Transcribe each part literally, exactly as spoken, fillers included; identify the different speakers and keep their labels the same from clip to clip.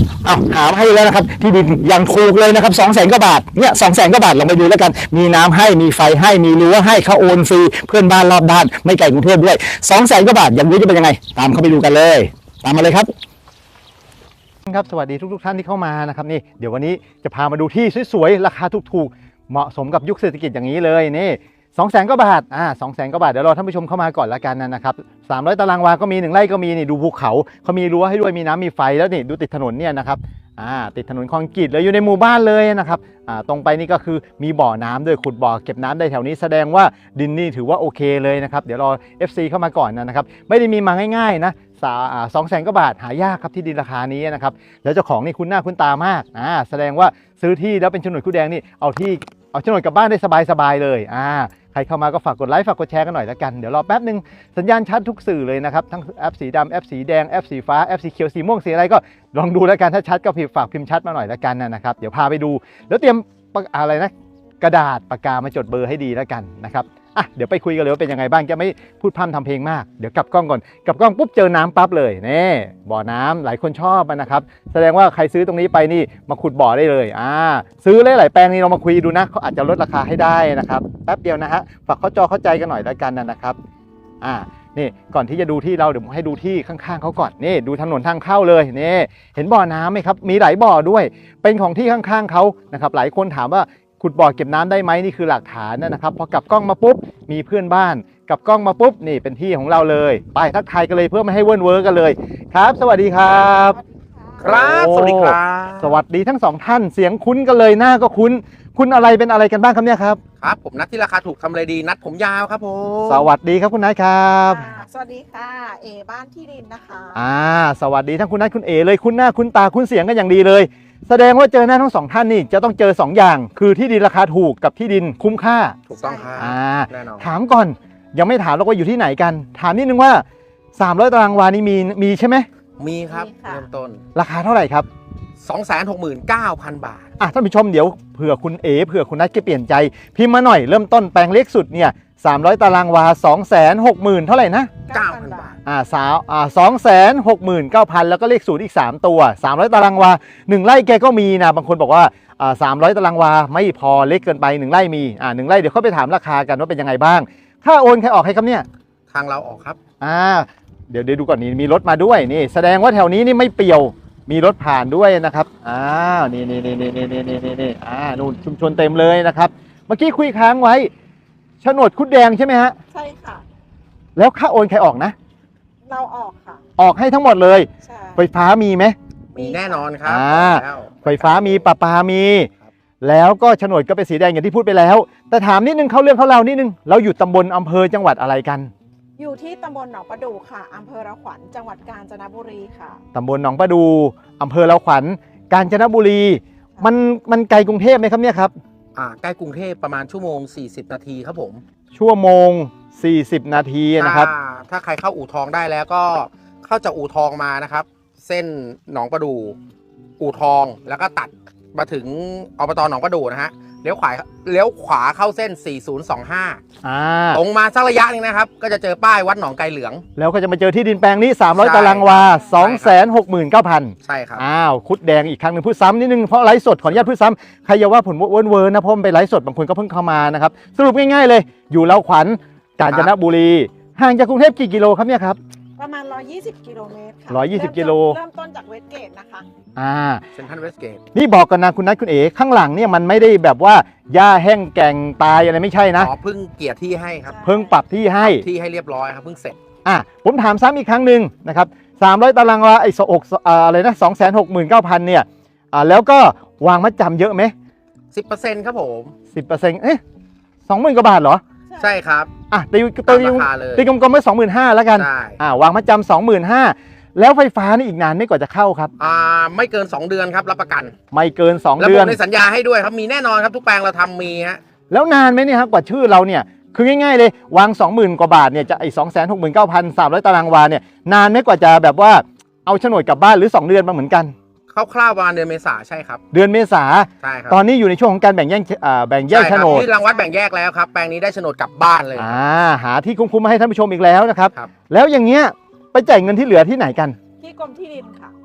Speaker 1: เอาหาให้แล้วนะครับที่ดินอย่างถูกเลยนะครับสองแสนกว่าบาทเนี่ยสองแสนกว่าบาทลองไปดูแล้วกันมีน้ำให้มีไฟให้มีรั้วให้เขาโอนฟรีเพื่อนบ้านรอบด้านไม่ไกลกรุงเทพด้วยสองแสนกว่าบาทอย่างนี้จะเป็นยังไงตามเข้าไปดูกันเลยตามมาเลยครับครับสวัสดีทุกๆท่านที่เข้ามานะครับนี่เดี๋ยววันนี้จะพามาดูที่สวยๆราคาถูกๆเหมาะสมกับยุคเศรษฐกิจอย่างนี้เลยนี่สองแสนกว่าบาทอ่าสองแสนกว่าบาทเดี๋ยวรอท่านผู้ชมเข้ามาก่อนละกันนะครับสามร้อยตารางวาก็มีหนึ่งไร่ก็มีนี่ดูภูเขาเขามีรั้วให้ด้วยมีน้ำมีไฟแล้วนี่ดูติดถนนเนี่ยนะครับอ่าติดถนนคอนกรีตเลยอยู่ในหมู่บ้านเลยนะครับอ่าตรงไปนี่ก็คือมีบ่อน้ำด้วยขุดบ่อเก็บน้ำได้แถวนี้แสดงว่าดินนี่ถือว่าโอเคเลยนะครับเดี๋ยวรอ เอฟ ซี เข้ามาก่อนนะครับไม่ได้มีมาง่ายๆนะสองแสนกว่าบาทหายากครับที่ดินราคานี้นะครับแล้วเจ้าของนี่คุ้นหน้าคุ้นตามากอ่าแสดงว่าซื้อที่แล้วเป็นโฉนดคู่แดงนี่เอาที่เอาโฉนดกลับบ้านได้สบายๆเลยอ่าใครเข้ามาก็ฝากกดไลค์ฝากกดแชร์กันหน่อยแล้วกันเดี๋ยวรอแป๊บนึงสัญญาณชัดทุกสื่อเลยนะครับทั้งแอปสีดำแอปสีแดงแอปสีฟ้าแอปสีเขียวสีม่วงสีอะไรก็ลองดูแล้วกันถ้าชัดก็พิมพ์ฝากพิมพ์ชัดมาหน่อยแล้วกันนะครับเดี๋ยวพาไปดูแล้วเตรียมอะไรนะกระดาษปากกามาจดเบอร์ให้ดีแล้วกันนะครับอ่ะเดี๋ยวไปคุยกันเลยว่าเป็นยังไงบ้างจะไม่พูดพร่ำทำเพลงมากเดี๋ยวกลับกล้องก่อนกลับกล้องปุ๊บเจอน้ำปั๊บเลยนี่บ่อน้ำหลายคนชอบนะครับแสดงว่าใครซื้อตรงนี้ไปนี่มาขุดบ่อได้เลยอ่าซื้อหลายๆแปลงนี่เรามาคุยดูนะเขาอาจจะลดราคาให้ได้นะครับแป๊บเดียวนะฮะฝากเข้าจอเข้าใจกันหน่อยแล้วกันนะครับอ่านี่ก่อนที่จะดูที่เราเดี๋ยวผมให้ดูที่ข้างๆเขาก่อนนี่ดูถนนทางเข้าเลยนี่เห็นบ่อน้ำไหมครับมีหลายบ่อด้วยเป็นของที่ข้างๆเขานะครับหลายคนถามว่าขุดบ่อเก็บน้ำได้ไหมนี่คือหลักฐานนะครับพอกลับกล้องมาปุ๊บมีเพื่อนบ้านกลับกล้องมาปุ๊บนี่เป็นที่ของเราเลยไปทักทายกันเลยเพื่อไม่ให้เวิ้นเว้อกันเลยครับสวัสดีครับ
Speaker 2: ครับสวัสดีครับ
Speaker 1: สวัสดีทั้งสองท่านเสียงคุ้นกันเลยหน้าก็คุ้นคุณอะไรเป็นอะไรกันบ้างครับเนี่ยครับ
Speaker 2: ครับผมนัดที่ราคาถูกทำอะไรดีนัดผมยาวครับผม
Speaker 1: สวัสดีครับคุณนัทครับ
Speaker 3: สวัสดีค่ะเอบ้านที่ดินนะคะ
Speaker 1: อ่าสวัสดีทั้งคุณนัทคุณเอเลยคุณหน้าคุณตาคุณเสียงกันอย่างดีเลยแสดงว่าเจอหน้าทั้งสองท่านนี่จะต้องเจอสองอย่างคือที่ดินราคาถูกกับที่ดินคุ้มค่า
Speaker 2: ถูกต้องครับ
Speaker 1: อ่า
Speaker 2: แน่นอน
Speaker 1: ถามก่อนยังไม่ถามเราก็อยู่ที่ไหนกันถามนิดนึงว่าสามร้อยตารางวานี่มีมีใช่ไหม
Speaker 2: มีครับเริ่มต้น
Speaker 1: ราคาเท่าไหร่ครับ
Speaker 2: สองแสนหกหมื่นเก้าพัน บาท
Speaker 1: อ่ะท่านผู้ชมเดี๋ยวเผื่อคุณเอเผื่อคุณนัทจะเปลี่ยนใจพิมพ์มาหน่อยเริ่มต้นแปลงเล็กสุดเนี่ยสามร้อยตารางวา สองแสนหกหมื่น เท่าไหร่นะ
Speaker 2: เก้าพัน บาท
Speaker 1: อ่าสาวอ่า สองแสนหกหมื่นเก้าพัน แล้วก็เลขศูนย์อีกสามตัวสามร้อยตารางวาหนึ่งไร่แกก็มีนะบางคนบอกว่าอ่าสามร้อยตารางวาไม่พอเล็กเกินไปหนึ่งไร่มีอ่าหนึ่งไร่เดี๋ยวเขาไปถามราคากันว่าเป็นยังไงบ้างค่าโอนใครออกให้ครับเนี่ย
Speaker 2: ทางเราออกครับ
Speaker 1: อ่าเดี๋ยวเดี๋ยวดูก่อนนี่มีรถมาด้วยนี่แสดงว่าแถวนี้นี่ไม่เปี่ยวมีรถผ่านด้วยนะครับอ้าวนี่นี่นี่นี่นี่นี่นี่นี่อ่านู่นชุมชนเต็มเลยนะครับเมื่อกี้คุยค้างไว้โฉนดคุดแดงใช่ไหมฮะ
Speaker 3: ใช่ค่ะ
Speaker 1: แล้วค่าโอนใครออกนะ
Speaker 3: เราออกค่ะ
Speaker 1: ออกให้ทั้งหมดเลย
Speaker 3: ใช่
Speaker 1: ไฟฟ้ามีไหม
Speaker 2: มีแน่นอนครับ
Speaker 1: อ่าไฟฟ้ามีประปามีแล้วก็โฉนดก็เป็นสีแดงอย่างที่พูดไปแล้วแต่ถามนิดนึงเข้าเรื่องเข้าเรานิดนึงเราอยู่ตำบลอำเภอจังหวัดอะไรกัน
Speaker 3: อยู่ที่ตำบลหนองประดู่ค่ะอำเภอระขวัญจังหวัดกาญจนบุรีค่ะ
Speaker 1: ตำบลหนองประดูอำเภอละขวัญกาญจนบุรีมันมันไกลกรุงเทพไหมครับเนี่ยครับ
Speaker 2: อ่าใกล้กรุงเทพประมาณชั่วโมงสี่สิบนาทีครับผม
Speaker 1: ชั่วโมงสี่สิบนาทีนะครับ
Speaker 2: ถ้าใครเข้าอู่ทองได้แล้วก็เข้าจากอู่ทองมานะครับเส้นหนองประดูอู่ทองแล้วก็ตัดมาถึงอบตหนองประดูนะฮะเลี้ยวขวาเลี้ยวขวาเข้าเส้นสี่ศูนย์สองห้า
Speaker 1: อ่า
Speaker 2: ตรงมาสักระยะนึงนะครับก็จะเจอป้ายวัดหนองไกลเหลือง
Speaker 1: แล้วก็จะมาเจอที่ดินแปลงนี้สามร้อยตารางวา สองแสนหกหมื่นเก้าพัน
Speaker 2: ใช่ครับ
Speaker 1: อ้าวคุดแดงอีกครั้งหนึ่งพูดซ้ำนิดนึงเพราะไลฟ์สดขออนุญาตพูดซ้ำใครอย่าว่าผมเวิร์นเวิร์นนะเพราะมันไปไลฟ์สดบางคนก็เพิ่งเข้ามานะครับสรุปง่ายๆเลยอยู่เราขวัญกาญจนบุรีห่างจากกรุงเทพกี่กิโลครับเนี่ยครับ
Speaker 3: ประมาณหนึ่งร้อยยี่สิบกิโลเมตรค่ะ
Speaker 1: หนึ่งร้อยยี่สิบกิโล
Speaker 3: เริ่มต้นจากเวสเกตนะคะ
Speaker 1: อ่า
Speaker 2: เซ็นทรัลเวสเกต
Speaker 1: นี่บอกกันนะคุณนัทคุณเอ๋ข้างหลังเนี่ยมันไม่ได้แบบว่าหญ้าแห้งแก่งตายอะไรไม่ใช่นะ
Speaker 2: อ๋อเพิ่งเกียร์ที่ให้ครับ
Speaker 1: เพิ่งปรับที่ให้
Speaker 2: ที่ให้เรียบร้อยครับเพิ่งเสร็จ
Speaker 1: อ่ะผมถามซ้ำอีกครั้งหนึ่งนะครับสามร้อยตารางวาไอ้สอกอะไรนะ สองแสนหกหมื่นเก้าพัน เนี่ยอ่าแล้วก็วางมัดจำเยอะไหม
Speaker 2: สิบเปอร์เซ็นต์ ครับผม
Speaker 1: สิบเปอร์เซ็นต์ เอ๊ะ สองหมื่น กว่าบาทเหรอ
Speaker 2: ใช่ครับ
Speaker 1: อ่ะตีตีตีกลมๆไว้ สองหมื่นห้าพัน แล้วกันอ่าวางมัดจำ สองหมื่นห้าพัน แล้วไฟฟ้านี่อีกนานไม่กว่าจะเข้าครับ
Speaker 2: อ่าไม่เกินสองเดือนครับรับประกัน
Speaker 1: ไม่เกินสอง
Speaker 2: เดื
Speaker 1: อน
Speaker 2: แล้วผมในสัญญาให้ด้วยครับมีแน่นอนครับทุกแปลงเราทำมีฮะ
Speaker 1: แล้วนานไหมเนี่ยครับกว่าชื่อเราเนี่ยคือง่ายๆเลยวาง สองหมื่น กว่าบาทเนี่ยจะไอ้ สองแสนหกหมื่นเก้าพัน สามร้อยตารางวาเนี่ยนานไหมกว่าจะแบบว่าเอาโฉนดกลับบ้านหรือสองเดือนมาเหมือนกัน
Speaker 2: คร่าวๆประมาณเดือนเมษาใช่ครับ
Speaker 1: เดือนเมษา
Speaker 2: ใช่ครับ
Speaker 1: ตอนนี้อยู่ในช่วงของการแบ่งแยกแบ่งแยกโฉนด
Speaker 2: ที่รางวัดแบ่งแยกแล้วครับแปลงนี้ได้โฉนดกลับบ้านเลย
Speaker 1: อ่าหาที่คุ้มๆมาให้ท่านผู้ชมอีกแล้วนะครับ
Speaker 2: ครับ
Speaker 1: แล้วอย่างเงี้ยไปจ่ายเงินที่เหลือที่ไหนกัน
Speaker 3: ที่กรมที่ดินค่ะ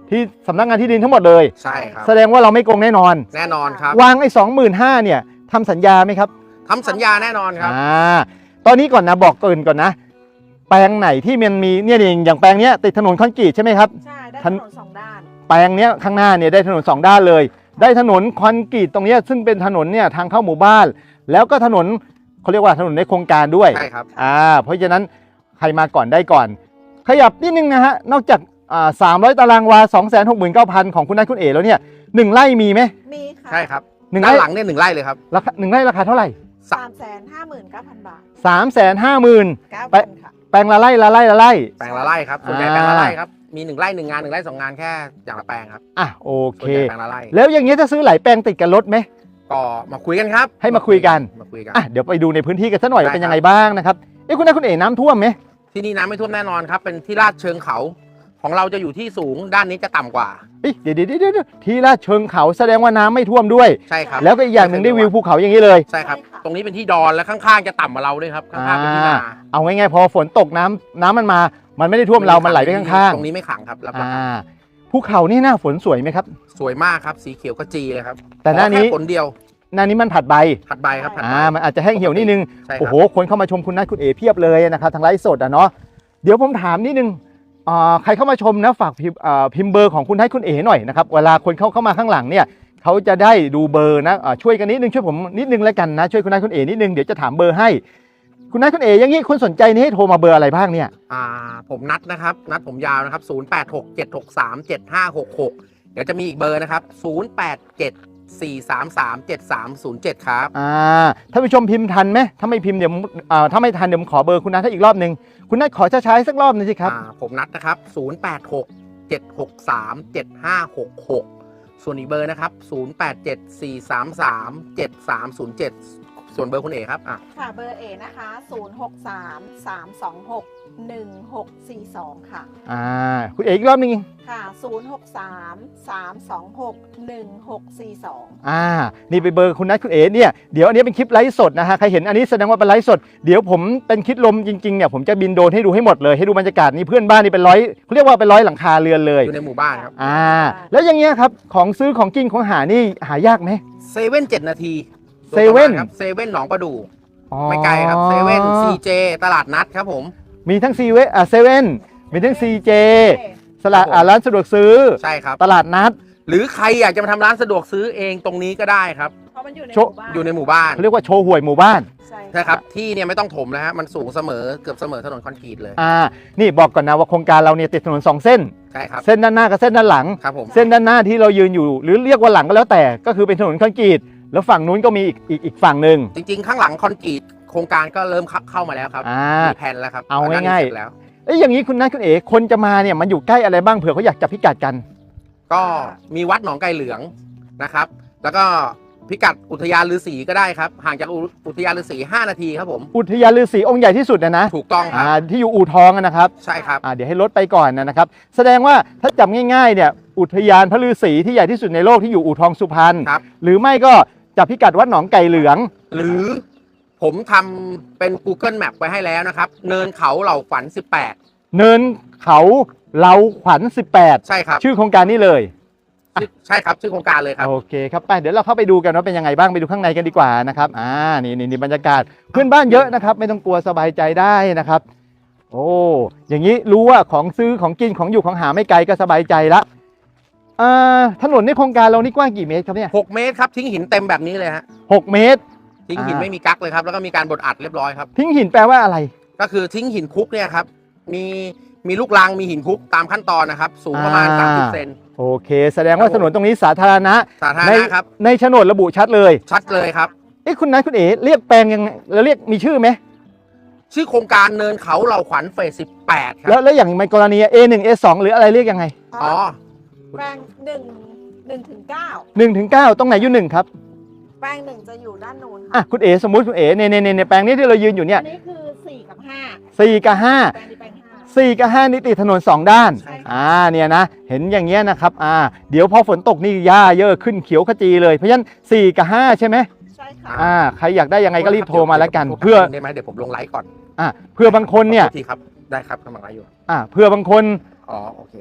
Speaker 1: ที่สำนักงานที่ดินทั้งหมดเลย
Speaker 2: ใช่ครับ
Speaker 1: แสดงว่าเราไม่โกงแน่นอน
Speaker 2: แน่นอนครับ
Speaker 1: วางไอ้สองหมื่นห้าเนี่ยทำสัญญาไหมครับ
Speaker 2: ทำสัญญาแน่นอนครับ
Speaker 1: อ่าตอนนี้ก่อนนะบอกเกรินก่อนนะ แปลงไหนที่มันมีเนี่ยเองอย่างแปลงเนี้ยติดถนนคอนกรีตใช่ไหมครับ
Speaker 3: ใช่ได้
Speaker 1: ทั
Speaker 3: ถ
Speaker 1: น
Speaker 3: นนสองด้าน
Speaker 1: แปลงเนี้ยข้างหน้าเนี่ยได้ถนนสองด้านเลย ได้ถนนคอนกรีตตรงเนี้ยซึ่งเป็นถนนเนี่ยทางเข้าหมู่บ้าน แล้วก็ถนนเขาเรียกว่าถนนในโครงการด้วย
Speaker 2: ใช่ครับ
Speaker 1: อ่าเพราะฉะนั้นใครมาก่อนได้ก่อน ขยับนิดนึงนะฮะนอกจากอ่าสามร้อยตารางวา สองแสนหกหมื่นเก้าพัน ของคุณนัทคุณเอ๋แล้วเนี่ยหนึ่งไร่มีไหม
Speaker 3: มีค่ะ
Speaker 2: ใช่ครับ
Speaker 1: หนึ่ง
Speaker 2: ด้าน
Speaker 1: ไร่
Speaker 2: หลังเนี่ยหนึ่งไร่เลยครับ
Speaker 1: ราคาหนึ่งไร่ราคาเท่าไหร่
Speaker 3: สามแสนห้าหมื่นเก้าพันบาท
Speaker 1: สามแสนห้าหมื่น
Speaker 3: เก้า
Speaker 1: ไป
Speaker 3: พันค่ะ
Speaker 1: แปลงละไร่ละไร่ละไร่
Speaker 2: แปลงละไร่ครับส่วนใหญ่
Speaker 1: อ่า
Speaker 2: แปลงละไร่ครับมีหนึ่งไร่หนึ่งงานหนึ่งไร่สองงานแค่อย่างละแปลงครับ
Speaker 1: อ่ะโอ
Speaker 2: ส่
Speaker 1: เค
Speaker 2: วนใหญ่แปลงละไร่
Speaker 1: แล้วอย่างเงี้ยถ้าซื้อหลายแปลงติดกันลดไหม
Speaker 2: ก็มาคุยกันครับ
Speaker 1: ให้มาคุยกัน
Speaker 2: มาคุยกัน
Speaker 1: อ่ะเดี๋ยวไปดูในพื้นที่กันสักหน่อย
Speaker 2: ได้
Speaker 1: ว่าเป็น
Speaker 2: ครับ
Speaker 1: ยังไงบ้างนะครับเอ้คุณนัทคุณเอ๋น้ำท่วมไหม
Speaker 2: ที่นี่น้ำไม่ท่วมแน่นอนครับเป็นที่ลาดเชิงเขาของเราจะอยู่ที่สูงด้านนี้จะต่ำกว่า
Speaker 1: เอ้ยเดี๋ยวเดี๋ยวเดี๋ยวเดี๋ยวทีลาดเชิงเขาแสดงว่าน้ำไม่ท่วมด้วย
Speaker 2: ใช่ครับ
Speaker 1: แล้วก็อีกอย่างหนึ่งได้วิวภูเขาอย่างนี้เลย
Speaker 2: ใช่ครับ ตรงนี้เป็นที่ดอนและข้างๆจะต่ำกว่าเราด้วยครับข้างๆเป็นที่นา
Speaker 1: เอาง่ายๆพอฝนตกน้ำน้ำมันมา มันไม่ได้ท่วมเรา มันไหลไปข้าง
Speaker 2: ตรงนี้ไม่ขังครับรับ
Speaker 1: ๆ
Speaker 2: ประ
Speaker 1: อ่า
Speaker 2: กัน
Speaker 1: ภูเขานี่หน้าฝนสวยไหมครับ
Speaker 2: สวยมากครับสีเขียวกระจีเลยครับ
Speaker 1: แต่หน้านี้
Speaker 2: ขอค่ฝนเดียว
Speaker 1: หน้านี้มันผัดใบ
Speaker 2: ผัดใบครับผัดใบ
Speaker 1: อ่ามันอาจจะแห้งเหี่ยวนิดนึง
Speaker 2: ใช่ค
Speaker 1: โอ้
Speaker 2: รับ
Speaker 1: โหคนเข้ามาชมคุณนัทคุณเอ๋เพียบเลยนะครับทางไลฟ์สดอ่ะเนาะเดี๋ยวผมถามนิดนึงอ่าใครเข้ามาชมนะฝากพิมพ์อ่าพิมพ์เบอร์ของคุณนัทคุณเอ๋หน่อยนะครับเวลาคนเข้าเข้ามาข้างหลังเนี่ยเขาจะได้ดูเบอร์นะอ่าช่วยกันนิดนึงช่วยผมนิดนึงแล้วกันนะช่วยคุณนัทคุณเอ๋นิดนึงเดี๋ยวจะถามเบอร์ให้คุณนัทคุณเอ๋อย่างนี้คุณสนใจนี่ให้โทรมาเบอร์อะไรบ้างเนี่ย
Speaker 2: อ่าผมนัดนะครับ นัดผมยาวนะครับ ศูนย์ แปด หก เจ็ด หก สาม เจ็ด ห้า หก หก เดี๋ยวจะมีอีกเบอร์นะครับ ศูนย์ แปด เจ็ด สี่ สาม สาม เจ็ด สาม ศูนย์ เจ็ด ครับ
Speaker 1: อ่าท่านผู้ชมพิมพ์ทันไหมถ้าไม่พิมพ์เดี๋ยวผมอ่าถ้าไม่ทันเดี๋ยวผมขอเบอร์คุณนัทให้อีกรอบหนึ่งคุณนัทขอช้าๆสักรอบหนึงสิครับ
Speaker 2: อ่าผมนัดนะครับ ศูนย์ แปด หก เจ็ด หก สาม เจ็ด ห้า หก หก ส่วนอีกเบอร์นะครับ ศูนย์ แปด เจ็ด สี่ สาม สาม เจ็ด สาม ศูนย์ เจ็ด ส่วนเบอร์คุณเอกครับอ่ะ
Speaker 3: ค่ะเบอร์เอนะคะ ศูนย์ หก สาม สาม สอง หก หนึ่ง หก สี่ สอง ค่ะ
Speaker 1: อ่าคุณเอ๋อีกรอบหนึง
Speaker 3: ค่ะ ศูนย์ หก สาม สาม สอง หก หนึ่ง หก สี่ สอง
Speaker 1: อ่านี่ไปเบอร์คุณนัทคุณเอ๋เนี่ยเดี๋ยวอันนี้เป็นคลิปไลฟ์สดนะฮะใครเห็นอันนี้แสดงว่าเป็นไลฟ์สดเดี๋ยวผมเป็นคลิปลมจริงๆเนี่ยผมจะบินโดรนให้ดูให้หมดเลยให้ดูบรรยากาศนี่เพื่อนบ้านนี่เป็นร้อยเขาเรียกว่าเป็นร้อยหลังคาเรือนเลย
Speaker 2: อยู่ในหมู่บ้านครับ
Speaker 1: อ่าแล้วอย่างเงี้ยครับของซื้อของกินของหานี่หายากไหม
Speaker 2: เซเว่นเจ็ดนาที
Speaker 1: เซเว่น
Speaker 2: ครับเซเว่นหนองประดู่
Speaker 1: อ๋อ
Speaker 2: ไม่ไกลครับเซเว่นซีเจตลาดนัดครับผม
Speaker 1: มีทั้งซีเวอ่าเซเว่นมีทั้งซีเจสลาด
Speaker 2: ครับผม
Speaker 1: อ่าร้านสะดวกซื้อ
Speaker 2: ใช่ครับ
Speaker 1: ตลาดนัด
Speaker 2: หรือใครอยากจะมาทำร้านสะดวกซื้อเองตรงนี้ก็ได้ครับ
Speaker 3: เพราะมันอยู่ในห
Speaker 1: โช
Speaker 3: มู่บ้าน
Speaker 2: อยู่ในหมู่บ้าน
Speaker 1: เขาเรียกว่าโชว์หวยหมู่บ้าน
Speaker 3: ใช่
Speaker 2: ใช่ครับที่เนี่ยไม่ต้องถมนะฮะมันสูงเสมอเกือบเสมอถนนคอนกรีตเลย
Speaker 1: อ่านี่บอกก่อนนะว่าโครงการเราเนี่ยติดถนนสองเส้น
Speaker 2: ใช่ครับ
Speaker 1: เส้นด้านหน้ากับเส้นด้านหลัง
Speaker 2: ครับผม
Speaker 1: เส้นด้านหน้าที่เรายืนอยู่ หรือเรียกว่าหลังก็แล้วแต่ก็คือเป็นถนนคอนกรีตแล้วฝั่งนู้นก็มีอีกอีกอีกฝั่งหนึ่ง
Speaker 2: จริงๆ ข้างหลังคอนกรีตโครงการก็เริ่มเข้ามาแล้วครับ
Speaker 1: อ่า
Speaker 2: มีแผนแล้วครับ
Speaker 1: เอา
Speaker 2: ด้นนี้
Speaker 1: ง่ายๆ
Speaker 2: เสร็จแล้ว
Speaker 1: เอ้ยอย่างนี้คุณนัทคุณเอ๋คนจะมาเนี่ยมันอยู่ใกล้อะไรบ้างเผื่อเขาอยากจับพิกัดกัน
Speaker 2: ก็มีวัดหนองไก่เหลืองนะครับ แล้วก็พิกัดอุทยานฤาษีก็ได้ครับห่างจากอุอุทยานฤาษีห้านาทีครับผม
Speaker 1: อุทยานฤาษีองค์ใหญ่ที่สุดนะนะ
Speaker 2: ถูกต้องค
Speaker 1: อ่า
Speaker 2: รับ
Speaker 1: ที่อยู่อู่ทองอะนะครับ
Speaker 2: ใช่ครับ
Speaker 1: อ่าเดี๋ยวให้ลดไปก่อนนะครับแสดงว่าถ้าจำง่ายๆเนี่ยอุทยานพระฤาษีที่ใหญ่ที่สุดในโลกที่อยู่อู่ทองสุพรรณ
Speaker 2: ครับ
Speaker 1: หรือไม่ก็จับพิกัดวัดหนองไก่เหลือง
Speaker 2: หรือผมทำเป็น Google Map ไว้ให้แล้วนะครับ เนินเขาเหล่าฝันสิบแปด
Speaker 1: เนินเขาเหลาขวัญสิบแปด
Speaker 2: ใช่ครับ
Speaker 1: ชื่อโครงการนี้เลย
Speaker 2: ชื่อใช่ครับชื่อโครงการเลยครับ
Speaker 1: โอเคครับไปเดี๋ยวเราเข้าไปดูกันว่าเป็นยังไงบ้างไปดูข้างในกันดีกว่านะครับอ่านี่นี่นี่บรรยากาศเพื่อนบ้านเยอะนะครับ ไม่ต้องกลัวสบายใจได้นะครับ โอ้อย่างนี้รู้ว่าของซื้อของกินของอยู่ของหาไม่ไกลก็สบายใจละอ่าถนนในโครงการเรานี่กว้างกี่เมตรครับเนี่ย
Speaker 2: หกเมตรครับทิ้งหินเต็มแบบนี้เลยฮะ
Speaker 1: หกเมตร
Speaker 2: ทิ้งหิน
Speaker 1: อ่า
Speaker 2: ไม่มีกั๊กเลยครับแล้วก็มีการบดอัดเรียบร้อยครับ
Speaker 1: ทิ้งหินแปลว่าอะไร
Speaker 2: ก็คือทิ้งหินคุกเนี่ยครับมีมีลูกรังมีหินคุกตามขั้นตอนนะครับ สูงประมาณ
Speaker 1: อ่า
Speaker 2: สามสิบเซน
Speaker 1: โอเค แสดงว่าถนนตรงนี้สาธารณะ
Speaker 2: สาธาร
Speaker 1: ใน
Speaker 2: ณะครับ
Speaker 1: ในโฉนดระบุชัดเลย
Speaker 2: ชัดเลยครับ
Speaker 1: เอ๊ะคุณนัทคุณเอ๋เรียกแปลงยังไงเราเรียกมีชื่อไหม
Speaker 2: ชื่อโครงการเนินเขาเหล่าขวัญเฟสสิบแปดครั
Speaker 1: แล้ว
Speaker 2: บ
Speaker 1: แล้วอย่างในกรณี เอ หนึ่ง เอ สอง หรืออะไรเรียกยังไง
Speaker 2: อ๋อ
Speaker 3: แปลงหนึ่งหนึ่งถึงเก้า
Speaker 1: หนึ่งถึงเก้าตรงไหนอยู่หนึ่งครับ
Speaker 3: แปลงหนึ่งจะอยู่ด้านโน้น
Speaker 1: อ่ะ
Speaker 3: ค่ะ
Speaker 1: คุณเอ๋สมมุติคุณเอ๋ในในในในแปลงนี้ที่เรายืนอยู่เนี่ย
Speaker 3: อันนี้คือสี่กับห้า
Speaker 1: สี่กับห้า
Speaker 3: แปลงนี้แปลงห้า
Speaker 1: สี่กับห้านี่ติดถนนสองด้าน
Speaker 3: ใช่ค่ะ
Speaker 1: อ่าเนี่ยนะเห็นอย่างเงี้ยนะครับอ่าเดี๋ยวพอฝนตกนี่หญ้าเยอะขึ้นเขียวขจีเลยเพราะฉะนั้นสี่กับห้าใช่ไหม
Speaker 3: ใช่ค่ะ
Speaker 1: อ่าใครอยากได้ยังไงก็รีบโทรมาแล้วกัน เพื่อ
Speaker 2: ได้ไหมเดี๋ยวผมลงไลฟ์ก่อน
Speaker 1: อ่าเพื่อบางคนเนี่ย
Speaker 2: ขอโทษทีครับได้ครับกำลังไลฟ์อยู่
Speaker 1: อ่าเพื่อบางคน
Speaker 2: อ๋อโอเคครับได้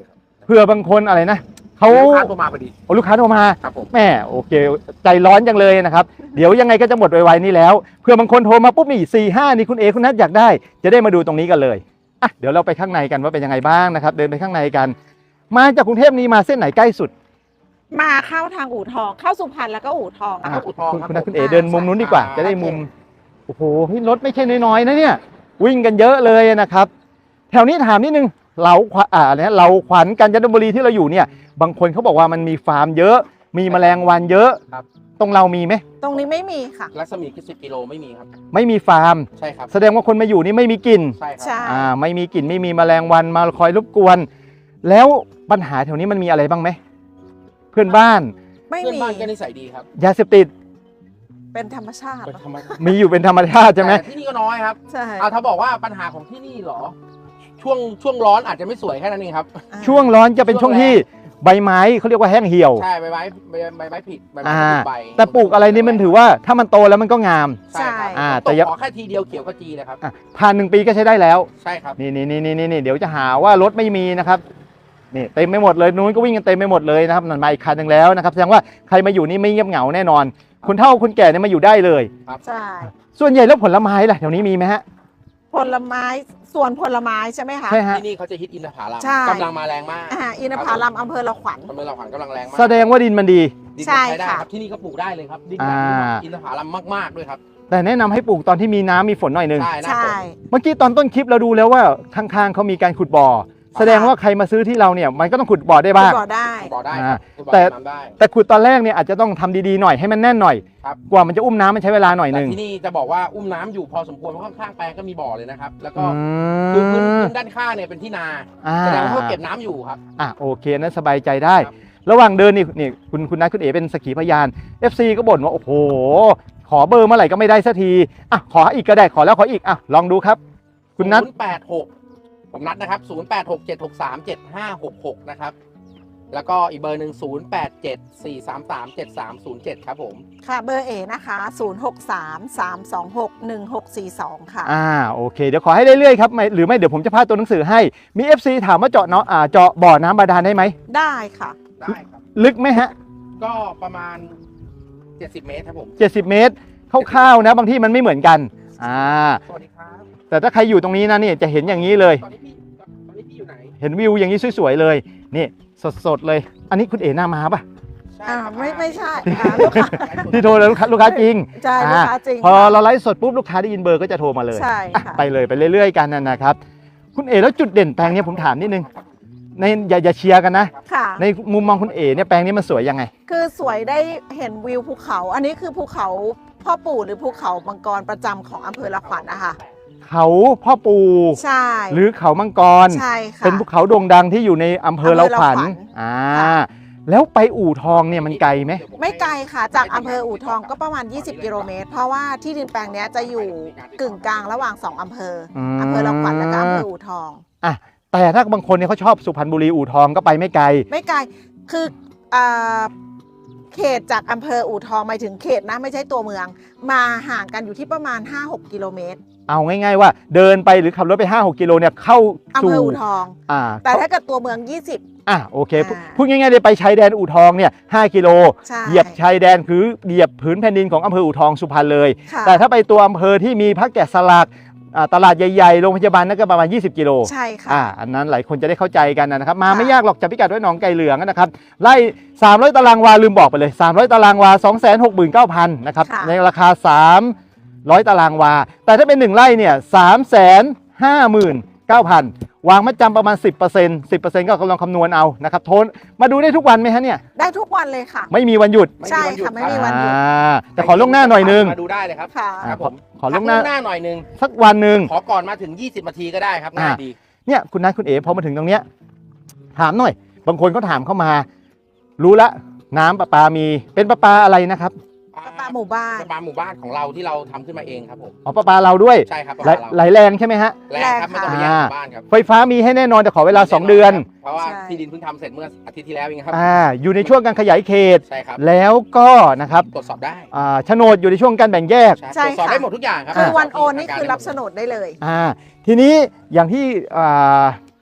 Speaker 1: เพื่อบางคนอะไรนะเขา
Speaker 2: ลูกค้าโทรมาพอดี
Speaker 1: โอ้ลูกค้าโทรมา
Speaker 2: ครับผม
Speaker 1: แม่โอเคใจร้อนจังเลยนะครับ เดี๋ยวยังไงก็จะหมดไวๆนี่แล้วเพื่อบางคนโทรมาปุ๊บนี่สี่ห้านี่คุณเอคุณนัทอยากได้จะได้มาดูตรงนี้กันเลยอ่ะเดี๋ยวเราไปข้างในกันว่าเป็นยังไงบ้างนะครับเดินไปข้างในกัน มาจากกรุงเทพนี้มาเส้นไหนใกล้สุด
Speaker 3: มาเข้าทางอู่ทองเข้าสุพรรณแล้วก็อู่ทอง
Speaker 1: อ่ะ
Speaker 3: ค่ะ
Speaker 2: อู่ทอง
Speaker 1: คุณ
Speaker 2: ครับ
Speaker 1: คุณนัท
Speaker 2: ผม
Speaker 1: คุณเอเดินมุมนู้นดีกว่า
Speaker 2: อ่า
Speaker 1: จะได้มุมโอ้โหพี่รถไม่ใช่น้อยๆนะเนี่ยวิ่งกันเยอะเลยนะครับ แถวนี้ถามนิดนึงเราขวอ่าเนี่ยเราขวัญกาญจนบุรีที่เราอยู่เนี่ยบางคนเขาบอกว่ามันมีฟาร์มเยอะ มีแมลงวันเยอะ
Speaker 2: ครับ
Speaker 1: ตรงเรามีไหม
Speaker 3: ตรงนี้ไม่มีค่ะ
Speaker 2: รัศมีคิดสิบกิโลไม่มีครับ
Speaker 1: ไม่มีฟาร์ม
Speaker 2: ใช่ครับ
Speaker 1: แสดงว่าคนมาอยู่นี่ไม่มีกลิ่น
Speaker 2: ใช่ครั
Speaker 3: ใช่
Speaker 1: อ่าไม่มีกลิ่นไม่มีแมลงวันมาคอยรบกวน แล้วปัญหาแถวนี้มันมีอะไรบ้างไหมเพื่อนบ้าน
Speaker 3: ไม่
Speaker 2: เพื่อน
Speaker 3: มี
Speaker 2: บ้านก็นิสัยดีครับ
Speaker 1: ยาเสพติด
Speaker 3: เป็นธรรมชาติ
Speaker 2: เป็นธรรมชาติ
Speaker 1: มีอยู่เป็นธรรมชาติใช่ไหม
Speaker 2: แต่ที่นี่ก็น้อยครับ
Speaker 3: ใช่
Speaker 2: เอาถ้าบอกว่าปัญหาของที่นี่เหรอ ช่วงช่วงร้อนอาจจะไม่สวยแค่นั้นเองครับ
Speaker 3: อ่า
Speaker 1: ช่วงร้อนจะเป็นช่วงที่ใบไม้เขาเรียกว่าแห้งเหี่ยว
Speaker 2: ใช่ใบไม้ใบใบไม้ผิดใบไม้
Speaker 1: อ่า
Speaker 2: ผิดใบ
Speaker 1: แต่ปลูกอะไรนี่มันถือว่าถ้ามันโตแล้วมันก็งาม
Speaker 2: ใช่ครับ
Speaker 1: อ่า
Speaker 2: แต่
Speaker 1: แต่อย่า
Speaker 2: ขอแค่ทีเดียวเขียวขจีนะครับ
Speaker 1: อ่ะผ่านหนึ่งปีก็ใช้ได้แล้ว
Speaker 2: ใช่ครับ
Speaker 1: นี่นี่นี่นี่นี่เดี๋ยวจะหาว่ารถไม่มีนะครับนี่เต็มไปหมดเลยนู้นก็วิ่งกันเต็มไปหมดเลยนะครับนั่นมาอีกคันหนึ่งแล้วนะครับแสดงว่าใครมาอยู่นี่ไม่เงียบเหงาแน่นอนคนเฒ่าคนแก่เนี่ยมาอยู่ได้เลย
Speaker 3: ใช่
Speaker 1: ส่วนใหญ่แล้วผลไม้ล่ะแถวนี้มีไหมฮะ
Speaker 3: ผลไม้ส่วนผลไม้ใช่ไหมคะ
Speaker 1: ใช่ฮะ
Speaker 2: ที่นี่เขาจะฮิตอินทผลัม
Speaker 3: ใช่
Speaker 2: กำลังมาแรงมาก
Speaker 3: อ่าอินทผลัมอำเภอละขวัญ
Speaker 2: กำลังขวัญกำลังแรงมาก
Speaker 1: แสดงว่าดินมันดี
Speaker 2: ดิน
Speaker 3: ใช่
Speaker 2: ใช้ได้
Speaker 3: ค่ะ
Speaker 2: ครับที่นี่ก็ปลูกได้เลยครับดินแบบนี้
Speaker 1: อ่า
Speaker 2: อินทผลัมมากๆด้วยครับ
Speaker 1: แต่แนะนำให้ปลูกตอนที่มีน้ำมีฝนหน่อยหนึง
Speaker 2: ใช่หน้า
Speaker 3: ใช่
Speaker 2: ฝน
Speaker 1: เมื่อกี้ตอนต้นคลิปเราดูแล้วว่าข้างๆเขามีการขุดบ่อ แสดงว่าใครมาซื้อที่เราเนี่ยมันก็ต้องขุดบ่อได้บ้าง
Speaker 3: บ่อได้
Speaker 2: บ่อได้
Speaker 1: อ่า
Speaker 2: ครับบ่อ
Speaker 1: แต่
Speaker 2: น้ำได้
Speaker 1: แต่ขุดตอนแรกเนี่ยอาจจะต้องทำดีๆหน่อยให้มันแน่นหน่อย
Speaker 2: ครับ
Speaker 1: กว่ามันจะอุ้มน้ำมันใช้เวลาหน่อยห
Speaker 2: แต่
Speaker 1: นึง
Speaker 2: ที่นี่จะบอกว่าอุ้มน้ำอยู่พอสมควรเพราะข้างๆแปลงก็มีบ่อเลยนะครับ แล้วก็
Speaker 1: อื
Speaker 2: คือพื้น
Speaker 1: ม
Speaker 2: พื้นด้านข้างเนี่ยเป็นที่นา
Speaker 1: อ่า
Speaker 2: แสดงว่าเขาเก็บน้ำอยู่ครับ
Speaker 1: อ่ะโอเคนั้นสบายใจได้
Speaker 2: ครับ
Speaker 1: ระหว่างเดินนี่นี่คุณคุณนัทคุณเอ๋เป็นสักขีพยาน เอฟ ซี ก็บ่นว่าโอ้โหขอเบอร์เมื่อไหร่ก็ไม่ได้สักทีอ่ะขออีกก็ได้ขอแล้วขออีกอ่ะลองดูครับ คุณนัท
Speaker 2: ศูนย์แปดหกผมนัดนะครับศูนย์แปดหก เจ็ดหกสาม เจ็ดห้าหกหกนะครับ แล้วก็อีกเบอร์หนึ่งศูนย์แปดเจ็ด สี่สามสาม เจ็ดสามศูนย์เจ็ดครับผม
Speaker 3: ค่ะเบอร์เอนะคะศูนย์หกสามสามสองหกหนึ่งหกสี่สองค่ะ
Speaker 1: อ่าโอเคเดี๋ยวขอให้เรื่อยๆครับไม่หรือไม่เดี๋ยวผมจะพาตัวหนังสือให้มี เอฟ ซี ถามว่าเจาะเนาะอ่าเจาะบ่อน้ำบาดาลได้ไหม
Speaker 3: ได้ค่ะ
Speaker 2: ได้ครับ
Speaker 1: ลึกไหมฮะ
Speaker 2: ก็ประมาณ เจ็ดสิบ เมตรครับผม
Speaker 1: เจ็ดสิบเมตรคร่าวๆนะบางที่มันไม่เหมือนกันอ่า
Speaker 2: สวัสดีครับ
Speaker 1: แต่ถ้าใครอยู่ตรงนี้นะนี่จะเห็นอย่างนี้เลย
Speaker 2: ตอนนี้พี่ตอนนี้พี่อยู่ไหน
Speaker 1: เห็นวิวอย่างนี้สวยๆเลยนี่สดๆเลย อันนี้คุณเอ๋หน้ามาปะ
Speaker 2: ใช่
Speaker 3: อ่า
Speaker 2: ครับ
Speaker 3: ไม่ไม่ใช่อ่าลูกค้า
Speaker 1: ที่โทรแล้วลูกค้าลูกค้าจริง
Speaker 3: ใช่ลูกค้าจริง
Speaker 1: พอเราไลฟ์สดปุ๊บลูกค้าได้ยินเบอร์ก็จะโทรมาเลย
Speaker 3: ใช่
Speaker 1: อ่ะ
Speaker 3: ค่ะ
Speaker 1: ไปเลยไปเรื่อยๆกันนะนะครับ คุณเอ๋แล้วจุดเด่นแปลงเนี้ยผมถามนิดนึงในอย่าอย่าเชียร์กันนะ
Speaker 3: ค่ะ
Speaker 1: ในมุมมองคุณเอ๋เนี่ยแปลงนี้มันสวยยังไง
Speaker 3: คือสวยได้เห็นวิวภูเขา อันนี้คือภูเขาพ่อปู่หรือภูเขามังกรประจำของอำเภอละขวัญนะคะ
Speaker 1: เขาพ่อปู
Speaker 3: ใช่
Speaker 1: หรือเขามังกร
Speaker 3: ใช่ค่ะ
Speaker 1: เป็นภูเขาโด่งดังที่อยู่ในอำเภอเราขวัญ
Speaker 3: อำเภอเราขวัญ
Speaker 1: อ่า
Speaker 3: ค่ะ
Speaker 1: แล้วไปอู่ทองเนี่ยมันไกลไหม
Speaker 3: ไม่ไกลค่ะ จากอำเภออู่ทองก็ประมาณ ยี่สิบ กิโลเมตร เพราะว่าที่ดินแปลงเนี้ยจะอยู่กึ่งกลางระหว่างสองอำเภออ
Speaker 1: ม
Speaker 3: อำเภอละขวัญและก็อำเภออู่ทอง
Speaker 1: อ่ะแต่ถ้าบางคนเนี่ยเขาชอบสุพรรณบุรีอู่ทองก็ไปไม่ไกล
Speaker 3: ไม่ไกล คืออ่าเขตจากอำเภออู่ทองหมายถึงเขตนะไม่ใช่ตัวเมือง มาห่างกันอยู่ที่ประมาณ ห้าหก กิโลเมตร
Speaker 1: เอาง่ายๆว่าเดินไปหรือขับรถไป ห้าหก กิโลเนี่ยเข้า
Speaker 3: อำ
Speaker 1: สู่
Speaker 3: เภออู่ทอง
Speaker 1: อ่า
Speaker 3: แต่ถ้าเกิดตัวเมือง ยี่สิบ
Speaker 1: อ่ะโอเคพูด
Speaker 3: อ่า
Speaker 1: พูดง่ายๆเลยไปชายแดนอู่ทองเนี่ยห้ากิโล
Speaker 3: ใช่
Speaker 1: เหยียบชายแดนคือเหยียบผืนแผ่นดินของอำเภออู่ทองสุพรรณเลย
Speaker 3: ค่ะ
Speaker 1: แต่ถ้าไปตัวอำเภอที่มีพระแกะสลักอ่าตลาดใหญ่ๆโรงพยาบาลนั่นก็ประมาณยี่สิบกิโล
Speaker 3: ใช่ค่ะ
Speaker 1: อ่าอันนั้นหลายคนจะได้เข้าใจกันนะครับมา
Speaker 3: ค่ะ
Speaker 1: ไม่ยากหรอกจับพิกัดไว้หนองไก่เหลืองนะครับไล่สามร้อยตารางวาลืมบอกไปเลยสามร้อยตารางวา สองแสนหกหมื่นเก้าพัน นะครับ
Speaker 3: ค่ะ
Speaker 1: ในราคาสามร้อยตารางวา แต่ถ้าเป็นหนึ่งไร่เนี่ย สามแสนห้าหมื่นเก้าพัน วางมัดจำประมาณ สิบเปอร์เซ็นต์ สิบเปอร์เซ็นต์ ก็ลองคำนวณเอานะครับโทนมาดูได้ทุกวันไหมฮะเนี่ย
Speaker 3: ได้ทุกวันเลยค่ะ
Speaker 1: ไม่มีวันหยุด
Speaker 3: ใช่ค่ะไม่มีวันหยุด
Speaker 1: อ่าแต่ขอล่วงหน้าหน่อยนึง
Speaker 2: มาดูได้เลยครับ
Speaker 3: ค่ะ
Speaker 2: ครับผม
Speaker 1: ขอล่วงหน้า
Speaker 2: หน้าหน่อยนึง
Speaker 1: สักวันหนึ่ง
Speaker 2: ขอก่อนมาถึง ยี่สิบ นาทีก็ได้ครับง่ายดี
Speaker 1: เนี่ยคุณนัทคุณเอ๋พอมาถึงตรงเนี้ยถามหน่อย บางคนเขาถามเข้ามา รู้ละน้ำประปามีเป็นประปาอะไรนะครับ
Speaker 3: ประปาหมู่บ้าน
Speaker 2: ประปาหมู่บ้านของเราที่เราทำขึ้นมาเองครับผม
Speaker 1: อ๋อประปาเราด้วย
Speaker 2: ใช่ครับประ
Speaker 1: ไหล
Speaker 2: ปาเรา
Speaker 1: ไหลแรงใช่ไหมฮะ
Speaker 2: แรงครับไม่ต้องไปแย่งหมู่บ้านครับ
Speaker 1: ไฟฟ้ามีให้แน่นอนแต่ขอเวลา สอง เดือน
Speaker 2: เพราะว่า
Speaker 3: ใช่
Speaker 2: ที่ดินเพิ่งทำเสร็จเมื่ออาทิตย์ที่แล้วเองครับ
Speaker 1: อ่าอยู่ในช่วงการขยายเขต
Speaker 2: ใช่ครับ
Speaker 1: แล้วก็นะครับ
Speaker 2: ตรวจสอบได้
Speaker 1: อ่าโฉนดอยู่ในช่วงการแบ่งแยก
Speaker 3: ใช่
Speaker 2: ตรวจสอบ
Speaker 3: ค่ะ
Speaker 2: ได้หมดทุกอย่างครับ
Speaker 3: คือวันโอนนี่คือรับโฉนดได้เลย
Speaker 1: อ่าทีนี้อย่างที่อ่า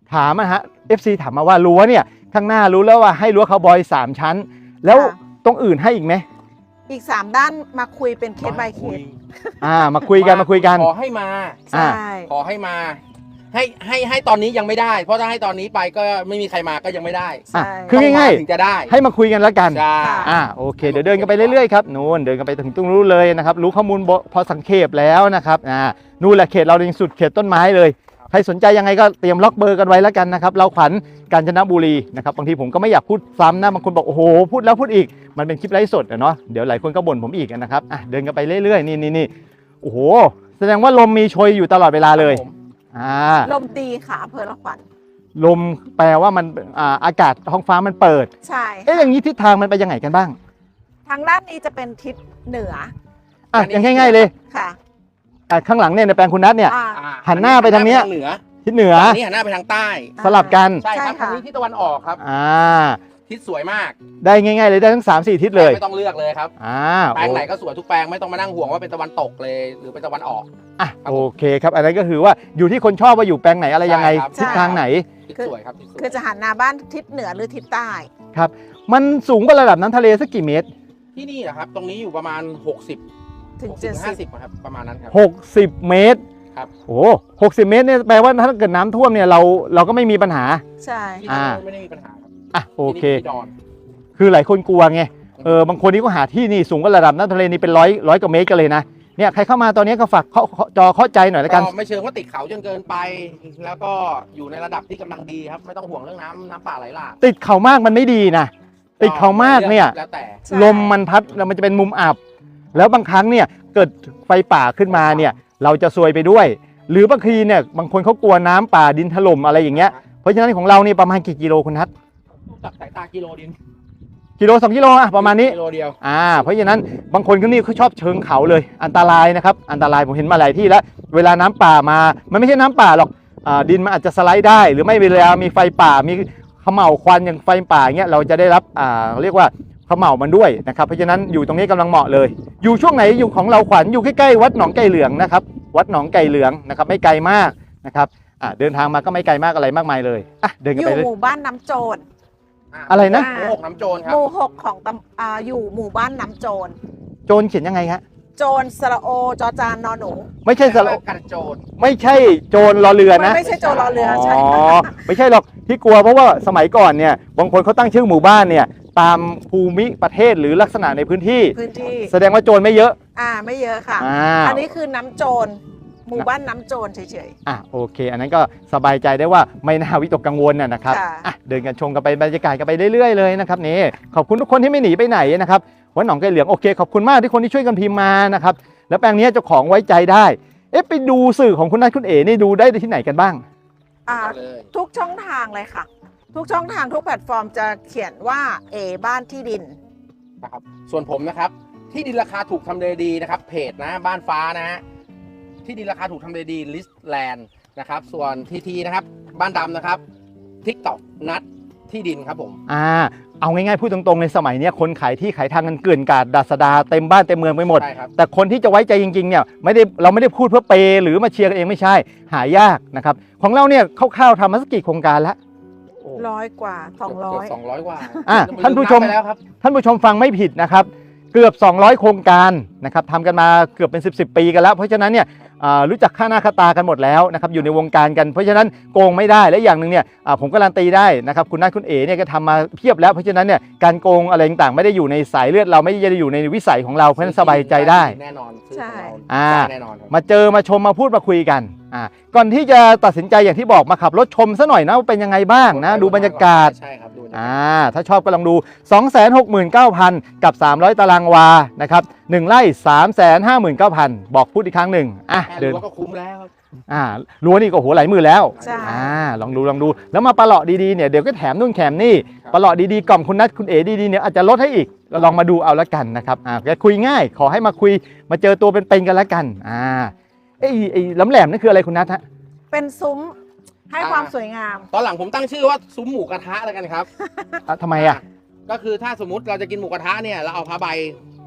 Speaker 1: ถามนะฮะ เอฟ ซี ถามมาว่ารั้วเนี่ยข้างหน้ารู้แล้วว่าให้รั้วคาวบอยสามชั้น แล้ว
Speaker 3: ค่ะ
Speaker 1: ตรงอื่นให้อีกไหม
Speaker 3: อีกสามด้านมาคุยเป็นเคส by เคส
Speaker 1: อ่ามาคุยกันมาคุยกัน
Speaker 2: ขอให้มา
Speaker 3: ใช่
Speaker 2: ขอให้มา ให้ให้ให้ตอนนี้ยังไม่ได้ เพราะถ้าให้ตอนนี้ไปก็ไม่มีใครมาก็ยังไม่ได้
Speaker 1: อ่ะ
Speaker 3: ใช่
Speaker 1: คือง่าย
Speaker 2: ถึงจะได้
Speaker 1: ๆ ให้มาคุยกันแล้วกัน
Speaker 2: ใช่
Speaker 1: อ่าโอเคเดี๋ยวเดินกันไปเรื่อยๆครับนู่นเดินกันไปถึงตรงนู้นเลยนะครับรู้ข้อมูลพอสังเขปแล้วนะครับอ่านู่นแหละเขตเราในสุดเขตต้นไม้เลยใครสนใจยังไงก็เตรียมล็อกเบอร์กันไว้แล้วกันนะครับเราขวัญกาญจนบุรีนะครับบางทีผมก็ไม่อยากพูดซ้ำนะบางคนบอกโอ้โหพูดแล้วพูดอีกมันเป็นคลิปไลฟ์สดอะเนาะเดี๋ยวหลายคนก็บ่นผมอีกนะครับอ่ะเดินกันไปเรื่อยๆนี่นี่นี่โอ้โหแสดงว่าลมมีโชยอยู่ตลอดเวลาเลย
Speaker 2: ครับผม
Speaker 1: อ่า
Speaker 3: ลมดีค่ะอำเภอละขวัญ
Speaker 1: ลมแปลว่ามันอ่าอากาศท้องฟ้ามันเปิด
Speaker 3: ใช่
Speaker 1: เอ๊ะอย่างนี้ทิศทางมันไปยังไงกันบ้าง
Speaker 3: ทางด้านนี้จะเป็นทิศเหนือ
Speaker 1: อ่ะอย่างง่ายๆเลย
Speaker 3: ค่ะ
Speaker 1: อ่ะข้างหลังเนี่ยในแปลงคุณนัทเนี่ย
Speaker 3: อ่า
Speaker 2: อ่
Speaker 1: หันหน้าไปทางเนี้ย
Speaker 2: เหนือ
Speaker 1: ทิศเหนือ
Speaker 2: ฝั่งนี้หันหน้าไปทางใต้
Speaker 1: สลับกัน
Speaker 2: ใช่ครับ
Speaker 3: ใช่ค่ะ
Speaker 2: ทางนี้ที่ตะวันออกครับ
Speaker 1: อ่า
Speaker 2: ทิศสวยมาก
Speaker 1: ได้ง่ายๆเลยได้ทั้งสามสี่ทิศเลย
Speaker 2: ไม่ต้องเลือกเลยครับ
Speaker 1: อ่า
Speaker 2: แปลงไหนก็สวยทุกแปลงไม่ต้องมานั่งห่วงว่าเป็นตะวันตกเลย หรือเป็นตะวันออก
Speaker 1: อ่ะโอเคครับอันนั้นก็คือว่าอยู่ที่คนชอบว่าอยู่แปลงไหนอะไรยังไง
Speaker 2: ใช่ครับ
Speaker 1: ทิศทางไหน
Speaker 2: ทิศสวยครับทิศสวย
Speaker 3: คือจะหันหน้าบ้านทิศเหนือหรือทิศใต้
Speaker 1: ครับมันสูงกว่าระดับน้ำทะเลสักกี่เมตร
Speaker 2: ที่นี่นะครับ ตรงนี้อยู่ประมาณ หกสิบ
Speaker 3: ถึง
Speaker 2: หก
Speaker 3: เจ็
Speaker 2: สิ
Speaker 3: ด
Speaker 2: บ
Speaker 3: สิ
Speaker 2: ห้า
Speaker 3: บ
Speaker 2: สิบครับประมาณนั้นครับ
Speaker 1: หกสิบเมตร
Speaker 2: ครับ
Speaker 1: โอ้หกสิบเมตรเนี่ยแปลว่าถ้าเกิดน้ำท่วมเนี่ยเราเราก็ไม่มีปัญหา
Speaker 3: ใช่
Speaker 2: ที่
Speaker 1: อ่า
Speaker 2: นี่ไม่ได้มีปัญหาครับ
Speaker 1: อ่ะโอเค
Speaker 2: ที่นี่ที่ดอน
Speaker 1: คือหลายคนกลัวไงเออบางคนนี่ก็หาที่นี่สูงกว่าระดับน้ำทะเลนี่เป็นร้อยร้อยกว่าเมตรกันเลยนะเนี่ยใครเข้ามาตอนนี้ก็ฝากเคาะเคาะจอเข้าใจหน่อยแล้วกัน
Speaker 2: ก็ไม่เชิงว่าติดเขาจนเกินไป แล้วก็อยู่ในระดับที่กำลังดีครับ ไม่ต้องห่วงเรื่องน้ำน้ำป่าไหลหลาก
Speaker 1: ติดเขามากมันไม่ดีนะติดเขามากเนี่ย
Speaker 2: แล้วแต่
Speaker 3: ใช่
Speaker 1: ลมมันพัดแล้วมันจะเป็นมุมอับ แล้วบางครั้งเนี่ยเกิดไฟป่าขึ้นมาเนี่ยเราจะซวยไปด้วย หรือบางทีเนี่ยบางคนเขากลัวน้ำป่าดินถล่มอะไรอย่างเงี้ยเพราะฉะนั้นของเรานี่ประมาณกี่กิโลคุณทัศน์
Speaker 2: จากสายตากิโลดิน
Speaker 1: กิโลสองกิโลอะประมาณนี้
Speaker 2: กิโลเดียว
Speaker 1: อ่าเพราะฉะนั้นบางคนก็นี่เขาชอบเชิงเขาเลยอันตรายนะครับอันตรายผมเห็นมาหลายที่แล้วเวลาน้ำป่ามามันไม่ใช่น้ำป่าหรอกอ่าดินมันอาจจะสไลด์ได้ หรือไม่เวลามีไฟป่ามีเขม่าวควันอย่างไฟป่าเงี้ยเราจะได้รับอ่าเรียกว่าเขม่าวมันด้วยนะครับเพราะฉะนั้นอยู่ตรงนี้กำลังเหมาะเลย อยู่ช่วงไหนอยู่ของเราขวัญอยู่ใกล้ๆวัดหนองไก่เหลืองนะครับวัดหนองไก่เหลืองนะครับไม่ไกลมากนะครับอ่าเดินทางมาก็ไม่ไกลมากอะไรมากมายเลยอ่ะเดินกัน
Speaker 3: อยู่
Speaker 1: ไปเลย
Speaker 3: หมู่บ้านน้ำโจร
Speaker 1: อะไรนะ
Speaker 2: หมู่หกน้ำโจรครั
Speaker 3: ห
Speaker 2: บ
Speaker 3: มู่หกของตำอ่าอยู่หมู่บ้านน้ำโจร
Speaker 1: โจรเขียนยังไงฮะ
Speaker 3: โจรสระโอจอจานนอหนู
Speaker 1: ไม่ใช่สระ
Speaker 2: กันโจร
Speaker 1: ไม่ใช่โจรรอเรือนะ
Speaker 3: ไม่ใช่โจรรอเรือใช่
Speaker 1: อ๋อไม่ใช่หรอกที่กลัวเพราะว่าสมัยก่อนเนี่ยบางคนเขาตั้งชื่อหมู่บ้านเนี่ยตามภูมิประเทศหรือลักษณะในพื้นที่
Speaker 3: พื้นที่
Speaker 1: แสดงว่าโจรไม่เยอะ
Speaker 3: อ่าไม่เยอะค่ะ
Speaker 1: อ่า
Speaker 3: อันนี้คือน้ำโจรหมู่บ้านน้ำโจรเฉย
Speaker 1: อ่ะโอเค อันนั้นก็สบายใจได้ว่าไม่น่าวิตกกังวลนะนะครับ
Speaker 3: ค่ะ
Speaker 1: อ่ะเดินกันชมกันไปบรรยากาศกันไปเรื่อยๆเลยนะครับนี่ขอบคุณทุกคนที่ไม่หนีไปไหนนะครับวัดหนองไก่เหลืองโอเคขอบคุณมากที่คนที่ช่วยกันพิมพ์มานะครับแล้วแปลงนี้เจ้าของไว้ใจได้เอ๊ะไปดูสื่อของคุณนัทคุณเอ๋นี่ดูได้ที่ไหนกันบ้าง
Speaker 3: ๆอ่า
Speaker 2: เลย
Speaker 3: ทุกช่องทางเลยค่ะ ทุกช่องทางทุกแพลตฟอร์มจะเขียนว่าเอบ้านที่ดิน
Speaker 2: นะครับส่วนผมนะครับที่ดินราคาถูกทำเลดีนะครับเพจนะบ้านฟ้านะฮะที่ดินราคาถูกทำเลดีลิสต์แลนด์นะครับส่วนทีทีนะครับบ้านดำนะครับทิกตอกนัดที่ดินครับผม
Speaker 1: อ่าเอาง่ายๆพูดตรงๆในสมัยเนี้ยคนขายที่ขายทางกันเกลื่อนกลาดดัสดาเต็มบ้านเต็มเมืองไปหมด
Speaker 2: ใช่ครับ
Speaker 1: แต่คนที่จะไว้ใจจริงๆเนี่ยไม่ได้เราไม่ได้พูดเพื่อเปย์หรือมาเชียร์กันเองไม่ใช่หายากนะครับของเราเนี่ยคร่าวๆทำมาสักกี่โครงการแล้ว
Speaker 3: ร้อยกว่าสองร้อย
Speaker 2: สองร้อยกว่า
Speaker 1: อ่ะท่านผู้ชม
Speaker 2: ไปแล้วครับ
Speaker 1: ท่านผู้ชมฟังไม่ผิดนะครับเกือบสองร้อยโครงการนะครับทำกันมาเกือบเป็นสิบ สิบปีกันแล้วเพราะฉะนั้นเนี่ยอ่ารู้จักค่าหน้าค่าตากันหมดแล้วนะครับอยู่ในวงการกัน เพราะฉะนั้นโกงไม่ได้และอย่างหนึ่งเนี่ยอ่าผมการันตีได้นะครับคุณนัทคุณเอ๋เนี่ยก็ทำมาเพียบแล้วเพราะฉะนั้นเนี่ยการโกงอะไรต่างๆไม่ได้อยู่ในสายเลือดเราไม่ได้อยู่ในวิสัยของเราเพราะฉะนั้นสบายใจได้
Speaker 2: แน่นอนซื้อ
Speaker 3: ใช่
Speaker 2: ของเรา
Speaker 1: อ่า
Speaker 2: แน่นอนครับ
Speaker 1: มาเจอมาชมมาพูดมาคุยกันอ่าก่อนที่จะตัดสินใจอย่างที่บอกมาขับรถชมซะหน่อยนะว่าเป็นยังไงบ้างนะดูบรรยากาศ
Speaker 2: ใช่ครับดูบรรยากาศ
Speaker 1: อ่าถ้าชอบก็ลองดู สองแสนหกหมื่นเก้าพัน กับ สามร้อย ตารางวานะครับหนึ่งไร่ สามแสนห้าหมื่นเก้าพัน บอกพูดอีกครั้งหนึ่งอ่ะ
Speaker 2: แค่
Speaker 1: เดิน
Speaker 2: รั้วก็คุ้มแล้วครับ
Speaker 1: อ่ารั้วนี่ก็โหหลายหมื่นแล้ว
Speaker 3: ใช่
Speaker 1: อ่าลองดูลองดูแล้วมาปลาเลาะดีๆเนี่ยเดี๋ยวก็แถมนู่นแถมนี่ปลาเลาะดีๆกล่อมคุณนัทคุณเอ๋ดีๆเนี่ยอาจจะลดให้อีกก็ลองมาดูเอาละกันนะครับอ่าแกคุยง่ายขอให้มาคุยมาเจอตัวเป็นๆกันละกันอ่าไอ้ไอ้ล้ำแหลมนั่นคืออะไรคุณนัทฮะ
Speaker 3: เป็นซุ้มให้ความสวยงาม
Speaker 2: ตอนหลังผมตั้งชื่อว่าซุ้มหมูกระทะแล้วกันครับ
Speaker 1: อ่ะทำไมอ่ะ
Speaker 2: ก็คือถ้าสมมติเราจะกินหมูกระทะเนี่ยเราเอาผ้าใบ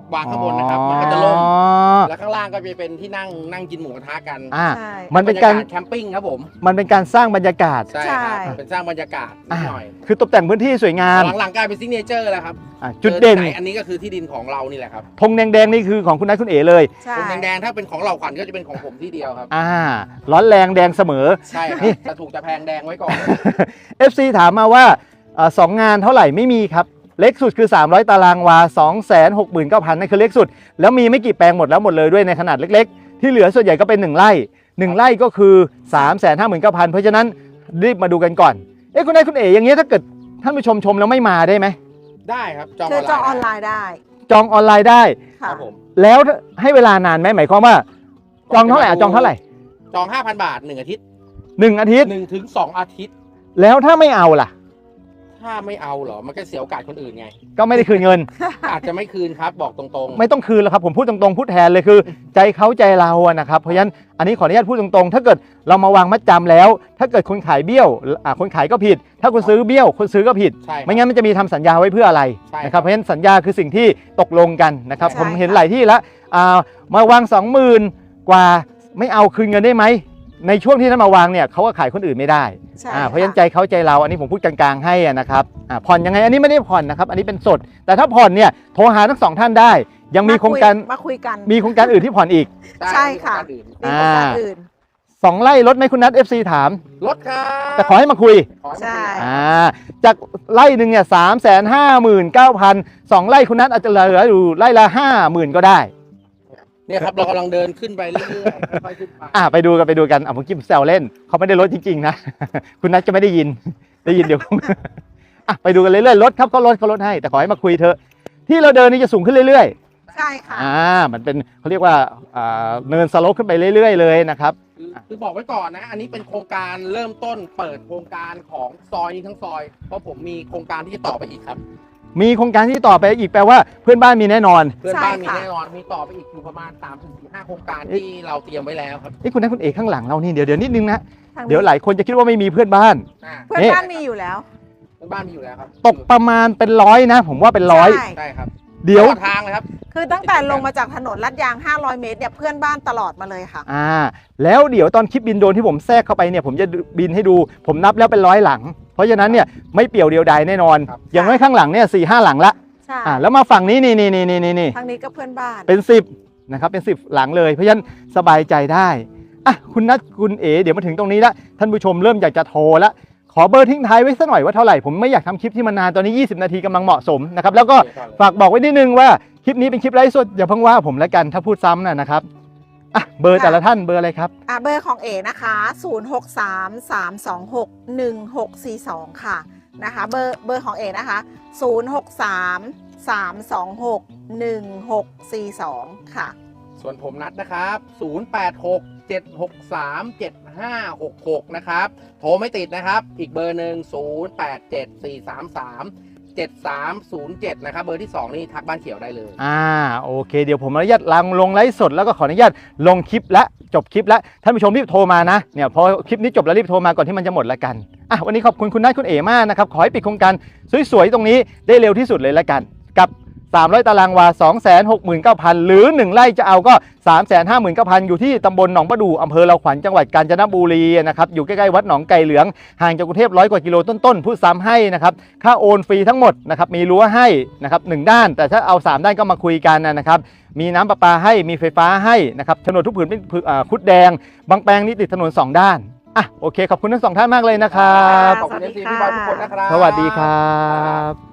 Speaker 2: วางข้างบนนะครับมันก็จะล่มแล้วข้างล่างก็จะเป็นที่นั่งนั่งกินหมูกระทะกัน
Speaker 1: อ่า
Speaker 3: ใช่
Speaker 1: มันเป็นการ
Speaker 2: บยแคมปิ้งครับผม
Speaker 1: มันเป็นการสร้างบรรยากาศ
Speaker 2: ใช่ครับเป็นสร้างบรรยากาศนิดหน่อย
Speaker 1: คือตกแต่งพื้นที่สวยงาม
Speaker 2: หลังๆกลายเป็นซิกเนเจอร์แล้วครับ
Speaker 1: อ่ะจุดเด่น
Speaker 2: จอที่ไหอันนี้ก็คือที่ดินของเรานี่แหละครับ
Speaker 1: ธงแดงๆนี่คือของคุณนัทคุณเอ๋เลย
Speaker 3: ใช่
Speaker 2: ตรงแดงๆถ้าเป็นของเราขวัญก็จะเป็นของผมที่เดียวครับ
Speaker 1: อ่าร้อนแรงแดงเสมอ
Speaker 2: ใช่ครับจะถูกจะแพงแดงไว้ก่อน
Speaker 1: เอฟ ซี ถามมาว่าเอ่อสองงานเท่าไหร่ไม่มีครับ เล็กสุดคือ สามร้อย ตารางวา สองแสนหกหมื่นเก้าพัน นั่นคือเล็กสุด แล้วมีไม่กี่แปลงหมดแล้วหมดเลยด้วยในขนาดเล็กๆ ที่เหลือส่วนใหญ่ก็เป็นหนึ่งไร่หนึ่งไร่ก็คือ สามแสนห้าหมื่นเก้าพัน เพราะฉะนั้นรีบมาดูกันก่อน เอ๊ะคุณนายคุณเอ๋อย่างเงี้ยถ้าเกิดท่านผู้ชมชมแล้วไม่มาได้ไหม
Speaker 2: ได้ครับจอง
Speaker 3: คือจองออนไลน์ได้
Speaker 1: จองออนไลน์ได้
Speaker 2: ครั
Speaker 3: ค่ะ
Speaker 2: บผม
Speaker 1: แล้วให้เวลานานไหมหมายความว่าจองเท่าไหร่อ่ะจองเท่าไหร่
Speaker 2: จอง ห้าพัน บาทหนึ่งอาทิตย์
Speaker 1: หนึ่งอาทิตย์
Speaker 2: หนึ่งถึงสองอาทิตย์
Speaker 1: แล้วถ้าไม่เอาล่ะ
Speaker 2: ถ้าไม่เอาเหรอมันก็เสียโอกาสคนอื่นไง
Speaker 1: ก็ไม่ได้คืนเงิน
Speaker 2: อาจจะไม่คืนครับบอกตรงๆ
Speaker 1: ไม่ต้องคืนแล้วครับผมพูดตรงๆพูดแทนเลยคือ ใจเขาใจเราอะนะครับเพราะฉะนั้นอันนี้ขออนุญาตพูดตรงๆ ถ้าเกิดเรามาวางมัดจำแล้ว ถ้าเกิดคนขายเบี้ยวอ่าคนขายก็ผิด ถ้าคนซื้อเบี้ยวคนซื้อก็ผิด
Speaker 2: ใช่ครับ
Speaker 1: ไม่งั้นมันจะมีทำสัญญาไว้เพื่ออะไร
Speaker 2: ใช่ครับ
Speaker 1: นะครับเพราะฉะนั้นสัญญาคือสิ่งที่ตกลงกันนะครับ
Speaker 3: ใช่
Speaker 1: ผมเห็น
Speaker 3: ค่ะ
Speaker 1: หลายที่แล้วอ่ามาวางสองหมื่นกว่าไม่เอาคืนเงินได้ไหมในช่วงที่ท่านมาวางเนี่ยเขาก็ขายคนอื่นไม่ได้
Speaker 3: ใช่
Speaker 1: อ่าเพราะฉะนั้น
Speaker 3: ค่
Speaker 1: ใจเขาใจเราอันนี้ผมพูดกลางๆให้อะนะครับอ่าผ่อนยังไงอันนี้ไม่ได้ผ่อนนะครับอันนี้เป็นสด แต่ถ้าผ่อนเนี่ยโทรหาทั้งสองท่านได้ ยังมีโครงการ
Speaker 3: มาคุยกัน
Speaker 1: มีโครงการอื่นที่ผ่อนอีก
Speaker 3: ใช่ค่ะ
Speaker 2: ได้มีโอกาสอื่น
Speaker 3: มีโครงการอื่น
Speaker 1: สองไร่ลดไหมคุณนัท เอฟ ซี ถาม
Speaker 2: ลดครับ
Speaker 1: แต่ขอให้มาคุย
Speaker 2: ขอให้มาคุย
Speaker 3: ใช่
Speaker 1: อ่าจากไร่หนึ่งเนี่ยสามแสนห้าหมื่นเก้าพันสองไร่คุณนัทอาจจะเหลืออยู่ไร่ละห้าหมื่นก็ได้
Speaker 2: เนี่ยครับเรากำลังเดินขึ้นไปเรื่อยๆค่อยๆขึ้นไป
Speaker 1: อ่าไปดูกันไปดูกันอ่ะผมคิดแซวเล่นเขาไม่ได้ลดจริงๆนะ คุณนัทจะไม่ได้ยินได้ยินเดี๋ยว อ่ะไปดูกันเรื่อยๆลดครับเขาลดเขาลดให้แต่ขอให้มาคุยเถอะที่เราเดินนี่จะสูงขึ้นเรื่อย
Speaker 3: ใช่ค่ะ
Speaker 1: ๆอ่ามันเป็นเขาเรียกว่าอ่าเนินสโลปขึ้นไปเรื่อยๆเลยนะครับ
Speaker 2: คือคือบอกไว้ก่อนนะ อันนี้เป็นโครงการเริ่มต้นเปิดโครงการของซอยนี้ทั้งซอย เพราะผมมีโครงการที่จะต่อไปอีกครับ
Speaker 1: มีโครงการที่ต่อไปอีกแปลว่าเพื่อนบ้านมีแน่นอน
Speaker 2: เพื่อนบ้านมี
Speaker 3: ใช่ค่ะ
Speaker 2: แน่นอน มีต่อไปอีกอยู่ประมาณสามถึงห้าโครงการที่เราเตรียมไว้แล้วครับ
Speaker 1: นี่คุณนัทคุณเอกข้างหลังเรานี่เดี๋ยวเดี๋ยวนิดนึงนะ
Speaker 3: ทางนี้
Speaker 1: เดี๋ยวหลายคนจะคิดว่าไม่มีเพื่อนบ้าน
Speaker 2: อ่า
Speaker 3: เพื่อน
Speaker 1: นี่
Speaker 3: บ้านมีอยู่แล้ว
Speaker 2: เพื่อนบ้านมีอยู่แล้วครับ
Speaker 1: ตกประมาณเป็นร้อยนะ ผมว่าเป็นร้อย
Speaker 3: ใช่
Speaker 2: ใช่ครับ
Speaker 1: เดี๋ยว
Speaker 2: ตลอทางเลยครับ
Speaker 3: คือตั้งแต่ลงมาจากถนนลาดยาง ห้าร้อย เมตรเนี่ยเพื่อนบ้านตลอดมาเลยค่ะ
Speaker 1: อ่าแล้วเดี๋ยวตอนคลิปบินโดรนที่ผมแทรกเข้าไปเนี่ยผมจะบินให้ดู ผมนับแล้วเป็นร้อยหลัง เพราะฉะนั้นเนี่ยไม่เปี่ยวเดียวดายแน่นอน
Speaker 2: ครับ
Speaker 1: อย่างน้อยข้างหลังเนี่ยสี่ห้าหลังละ
Speaker 3: ใช่
Speaker 1: อ่าแล้วมาฝั่งนี้นี่นี่นี่นี่นี่
Speaker 3: ทางนี้ก็เพื่อนบ้าน
Speaker 1: เป็นสิบนะครับเป็นสิบหลังเลย เพราะฉะนั้นสบายใจได้อ่ะคุณนัทคุณเอ๋เดี๋ยวมาถึงตรงนี้ละท่านผู้ชมเริ่มอยากจะโทรละขอเบอร์ทิ้งท้ายไว้สักหน่อยว่าเท่าไหร่ผมไม่อยากทำคลิปที่มันนานตอนนี้ยี่สิบนาทีกำลังเหมาะสมนะครับแล้วก็ฝากบอกไว้นิดนึงว่าคลิปนี้เป็นคลิปไลฟ์สดอย่าเพิ่งว่าผมแล้วกันถ้าพูดซ้ำนะนะครับอ่ะเบอร์แต่ละท่านเบอร์อะไรครับ
Speaker 3: อ่ะเบอร์ของเอนะคะ ศูนย์ หก สาม สาม สอง หก หนึ่ง หก สี่ สอง ค่ะนะคะเบอร์เบอร์ของเอนะคะ ศูนย์ หก สาม สาม สอง หก หนึ่ง หก สี่ สอง ค่ะ
Speaker 2: ส่วนผมนัดนะครับ ศูนย์ แปด หก เจ็ด หก สาม เจ็ด ห้า หก หก นะครับ โทรไม่ติดนะครับ อีกเบอร์หนึ่ง ศูนย์ แปด เจ็ด สี่ สาม สาม เจ็ด สาม ศูนย์ เจ็ด นะครับ เบอร์ที่สองนี่ทักบ้านเขียวได้เลย
Speaker 1: อ่าโอเคเดี๋ยวผมอนุญาตลงลงไลฟ์สดแล้วก็ขออนุญาตลงคลิปและจบคลิปแล้วท่านผู้ชมรีบโทรมานะเนี่ยพอคลิปนี้จบแล้วรีบโทรมาก่อนที่มันจะหมดละกันอ่ะวันนี้ขอบคุณคุณนัทคุณเอ๋มากนะครับขอให้ปิดโครงการสวยๆตรงนี้ได้เร็วที่สุดเลยละกันกับสามร้อยตารางวา สองแสนหกหมื่นเก้าพัน หรือหนึ่งไร่จะเอาก็ สามแสนห้าหมื่นเก้าพัน อยู่ที่ตำบลหนองประดู่อำเภอเราขวัญจังหวัดกาญจนบุรีนะครับอยู่ใกล้ๆวัดหนองไก่เหลืองห่างจากกรุงเทพร้อยกว่ากิโลต้นๆพูดซ้ำให้นะครับค่าโอนฟรีทั้งหมดนะครับมีรั้วให้นะครับหนึ่งด้านแต่ถ้าเอาสามด้านก็มาคุยกันนะครับมีน้ำประปาให้มีไฟฟ้าให้นะครับโฉนดทุกผืนเป็นอ่าคุดแดงบางแปลงนี่ติดถนนสองด้านอ่ะโอเคขอบคุณทั้งสองท่านมากเลยนะครับ
Speaker 2: ขอบคุณเอฟซีพี่บอยทุกคนนะครับ
Speaker 1: สวัสดีครับ